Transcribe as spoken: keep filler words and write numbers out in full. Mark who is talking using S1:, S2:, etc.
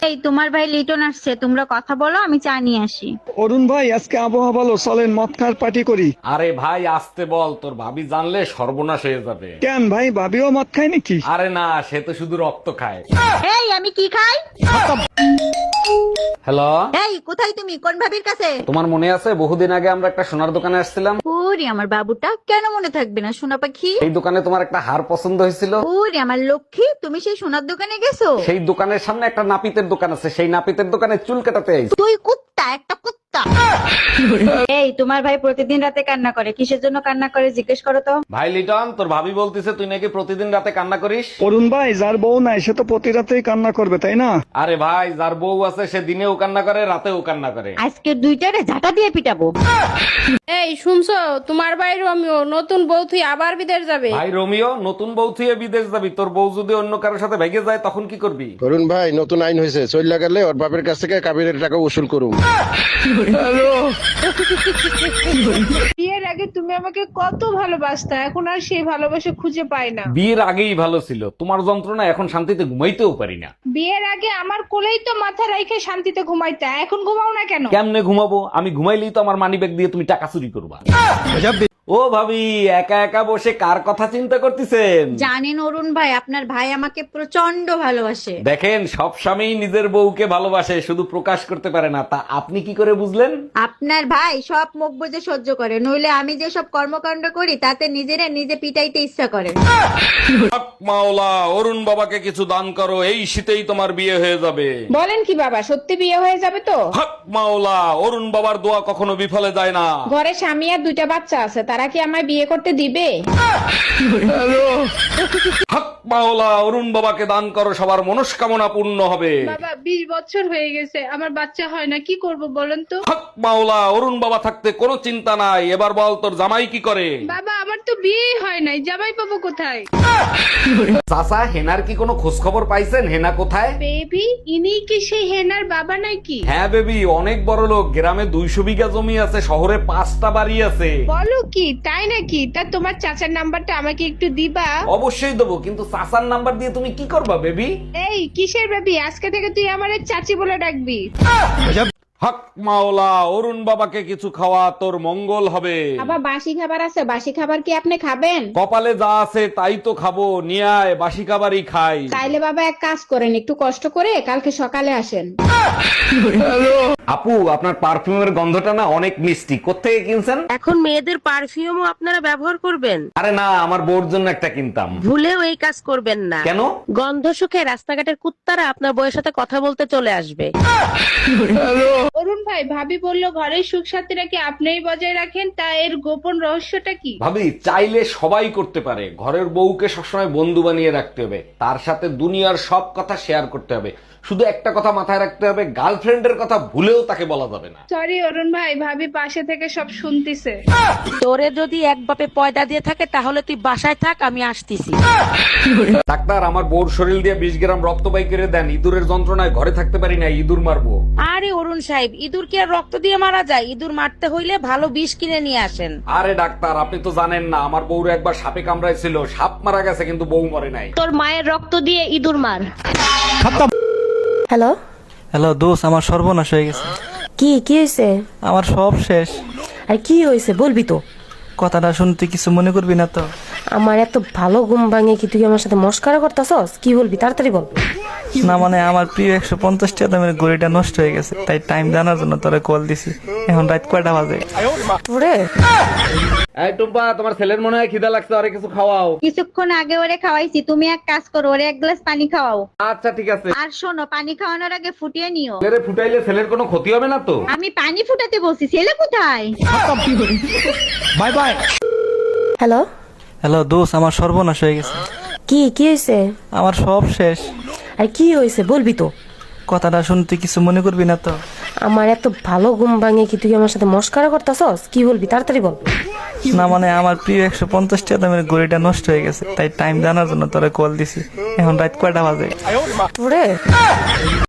S1: এই তোমার ভাই লিটন আসছে, তোমরা কথা বলো, আমি চা নিয়ে আসি।
S2: অরুণ ভাই, আজকে আবহাওয়া ভালো, চলেন মদ খাওয়ার পার্টি করি।
S3: আরে ভাই আসতে বল, তোর ভাবি জানলে সর্বনাশ হয়ে যাবে।
S2: কেন ভাই, ভাবিও মদ খায় নাকি?
S3: আরে না, সে তো শুধু রক্ত খায়।
S1: এই আমি কি খাই?
S3: হ্যালো,
S1: এই কোথায় তুমি, কোন ভাবির কাছে?
S3: তোমার মনে আছে বহুদিন আগে আমরা একটা সোনার দোকানে আসছিলাম?
S1: ওরে আমার বাবুটা, কেন মনে থাকবে না সোনা পাখি।
S3: এই দোকানে তোমার একটা হার পছন্দ হয়েছিল।
S1: ওরে আমার লক্ষ্মী, তুমি সেই সোনার দোকানে গেছো?
S3: সেই দোকানের সামনে একটা নাপিতের দোকান আছে, সেই নাপিতের দোকানে চুল কাটাতে আইছি।
S1: তুই কুত্তা, একটা কুত্তা। এই তোমার ভাই প্রতিদিন রাতে কান্না করে, কিসের জন্য কান্না করে জিজ্ঞেস করো তো।
S3: ভাই লিটন, তোর ভাবি বলতিছে তুই নাকি প্রতিদিন রাতে কান্না করিস।
S2: অরুণ ভাই, যার বউ নাই সে তো প্রতি রাতেই কান্না করবে, তাই না?
S3: আরে ভাই, যার বউ আছে সে দিনেও কান্না করে, রাতেও কান্না করে।
S1: আজকে দুইটারে ঝাঁটা দিয়ে পিটাবো।
S4: এই শুনছো, তোমার ভাই রমিও নতুন বউ থুই আবার বিদেশ যাবে।
S3: ভাই রোমিও, নতুন বউ থুয়ে বিদেশ যাবি, তোর বউ যদি অন্য কারোর সাথে ভেগে যায় তখন কি করবি?
S5: অরুণ ভাই, নতুন আইন হয়েছে, চল্লা গেলে ওর বাপের কাছ থেকে কাবিনের টাকা উসুল করুম।
S4: বিয়ের আগে তুমি আমাকে কত ভালোবাসতা, এখন আর সেই ভালোবাসা খুঁজে পাই না।
S3: বিয়ের আগেই ভালো ছিল, তোমার যন্ত্রণা এখন শান্তিতে ঘুমাইতেও পারি না।
S4: বিয়ের আগে আমার কোলেই তো মাথা রাইখে শান্তিতে ঘুমাইতা, এখন ঘুমাও না কেন?
S3: কেমনে ঘুমাবো? আমি ঘুমাইলেই তো আমার মানি ব্যাগ দিয়ে তুমি টাকা চুরি করবা। ও ভাবি, একা একা বসে কার কথা চিন্তা করতেছেন?
S1: জানেন অরুণ ভাই, আপনার ভাই আমাকে প্রচন্ড ভালোবাসে।
S3: দেখেন, সব স্বামী নিজের বউকে ভালোবাসে, শুধু প্রকাশ করতে পারে না। তা আপনি কি করে বুঝলেন?
S1: আপনার ভাই সব মুখ বুজে সহ্য করে, নইলে আমি যে সব কর্মকাণ্ড করি তাতে নিজেরা নিজে পিটাইতে ইচ্ছা করে।
S3: হক মাওলা, অরুণ বাবাকে কিছু দান করো, এই শীতেই তোমার বিয়ে হয়ে যাবে।
S4: বলেন কি বাবা, সত্যি বিয়ে হয়ে যাবে তো?
S3: হক মাওলা, অরুণ বাবার দোয়া কখনো বিফলে যায় না।
S4: ঘরে স্বামী আর দুইটা বাচ্চা আছে, তারা কি আমায় বিয়ে করতে দিবে?
S3: হক মাওলা, অরুণ বাবাকে দান করো, সবার মনস্কামনা পূর্ণ হবে।
S4: বাবা বিশ বছর হয়ে গেছে, আমার বাচ্চা হয় না, কি করব বলেন তো?
S3: হক মাওলা, অরুণ বাবা থাকতে কোনো চিন্তা নাই। এবার বল, তোর জামাই কি করে?
S4: বাবা আমার তো বিয়েই হয় নাই, জামাই পাবো কোথায়?
S3: চাচা, হেনার কি কোনো খোঁজ খবর পাইছেন? হেনা কোথায়?
S4: বেবি, ইনি কি সেই হেনার বাবা নাকি?
S3: হ্যাঁ বেবি, অনেক বড় লোক, গ্রামে দুইশো বিঘা জমি আছে, শহরে পাঁচটা বাড়ি আছে।
S4: বলো কি, তাই নাকি? তা তোমার চাচার নাম্বারটা আমাকে একটু দিবা?
S3: অবশ্যই দেবো, কিন্তু চাচার নাম্বার দিয়ে তুমি কি করবা বেবি?
S4: এই কিসের বেবি, আজকে থেকে তুই আমারে চাচি বলে ডাকবি।
S3: হক মাওলা, অরুণ বাবাকে কিছু খাওয়া, তোর মঙ্গল হবে।
S4: বাবা বাসি খাবার আছে, বাসি খাবার কি আপনি খাবেন?
S3: কপালে যা আছে তাই তো খাবো, নিয়ে আয়, বাসি খাবারই খাই।
S4: তাইলে বাবা এক কাজ করেন, একটু কষ্ট করে কালকে সকালে আসেন।
S3: আপু, আপনার পারফিউমের গন্ধটা না অনেক মিষ্টি, কোত্থেকে কিনছেন?
S6: এখন মেয়েদের পারফিউমও আপনারা ব্যবহার করবেন?
S3: আরে না, আমার বউর জন্য একটা কিনতাম।
S6: ভুলেও এই কাজ করবেন না।
S3: কেন?
S6: গন্ধ সুখে রাস্তাঘাটের কুত্তারা আপনার বউয়ের সাথে কথা বলতে চলে আসবে।
S4: অরুণ ভাই, ভাবি বললো ঘরের সুখ শান্তিটা কি আপনিই বজায় রাখেন, তা এর গোপন রহস্যটা কি?
S3: ভাবি, চাইলে সবাই করতে পারে। ঘরের বউকে সবসময় বন্ধু বানিয়ে রাখতে হবে, তার সাথে দুনিয়ার সব কথা শেয়ার করতে হবে। শুধু একটা কথা মাথায় রাখতে হবে, গার্লফ্রেন্ডের কথা ভুলেও তাকে বলা যাবে না।
S4: সরি অরুণ ভাই, ভাবি পাশে থেকে সব শুনতিছে।
S6: তোরে যদি এক বাপে পয়দা দিয়ে থাকে তাহলে তুই বাসায় থাক, আমি আসতেছি।
S3: ডাক্তার, আমার বউর শরীর দিয়ে বিশ গ্রাম রক্ত বাই করে দেন, ইঁদুরের যন্ত্রণায় ঘরে থাকতে পারি না, ইঁদুর মারবো।
S6: আরে অরুণ সাহেব, ইঁদুর কি আর রক্ত দিয়ে মারা যায়? ইঁদুর মারতে হইলে ভালো বিষ কিনে নিয়ে আসেন।
S3: আরে ডাক্তার, আপনি তো জানেন না, আমার বউর একবার সাপে কামড়াইছিল, সাপ মারা গেছে কিন্তু বউ মরে নাই।
S6: তোর মায়ের রক্ত দিয়ে ইঁদুর মার।
S7: হ্যালো
S8: হ্যালো দোস্ত, আমার সর্বনাশ হয়ে গেছে।
S7: কি কি হয়েছে?
S8: আমার সব শেষ।
S7: আর কি হয়েছে বলবি তো?
S8: কথাটা শুনতে কিছু মনে করবি না তো?
S7: আমার এত ভালো ঘুম ভাঙে কি তুই আমার সাথে মস্কারা করতেছস? কি বলবি তাড়াতাড়ি বল।
S8: না মানে, আমার প্রিয় একশো পঞ্চাশ টাকা দামের ঘড়িটা নষ্ট হয়ে গেছে, তাই টাইম জানার জন্য তোরে কল দিছি। এখন রাত কয়টা বাজে?
S7: ওরে
S3: এই টুম্পা, তোমার ছেলের মনে হয় খিদা লাগছে, আরে কিছু খাওয়াও।
S1: কিছুক্ষণ আগে ওরে খাওয়াইছি, তুমি এক কাজ করো, ওরে এক গ্লাস পানি খাওয়াও।
S3: আচ্ছা ঠিক আছে।
S1: আর শোনো, পানি খাওয়ানোর আগে ফুটিয়ে নিও।
S3: ছেলেরে ফুটাইলে ছেলের কোনো ক্ষতি হবে না তো?
S1: আমি পানি ফুটাতে বলছি, ছেলে কোথায়?
S2: Bye bye.
S7: হ্যালো
S8: হ্যালো দোস্ত, আমার সর্বনাশ হয়ে গেছে।
S7: কি কি হয়েছে?
S8: আমার সব শেষ।
S7: আর কি হয়েছে বলবি তো?
S8: কথাটা শুনতে কিছু মনে করবি না তো?
S7: আমার এত ভালো ঘুম ভাঙে কি তুই আমার সাথে মস্কারা করতেছস? কি বলবি তাড়াতাড়ি বল।
S8: না মানে, আমার প্রিয় একশো পঞ্চাশ টাকা দামের ঘড়িটা নষ্ট হয়ে গেছে, তাই টাইম জানার জন্য তোরে কল দিছি। এখন রাত কয়টা বাজে?
S7: ওরে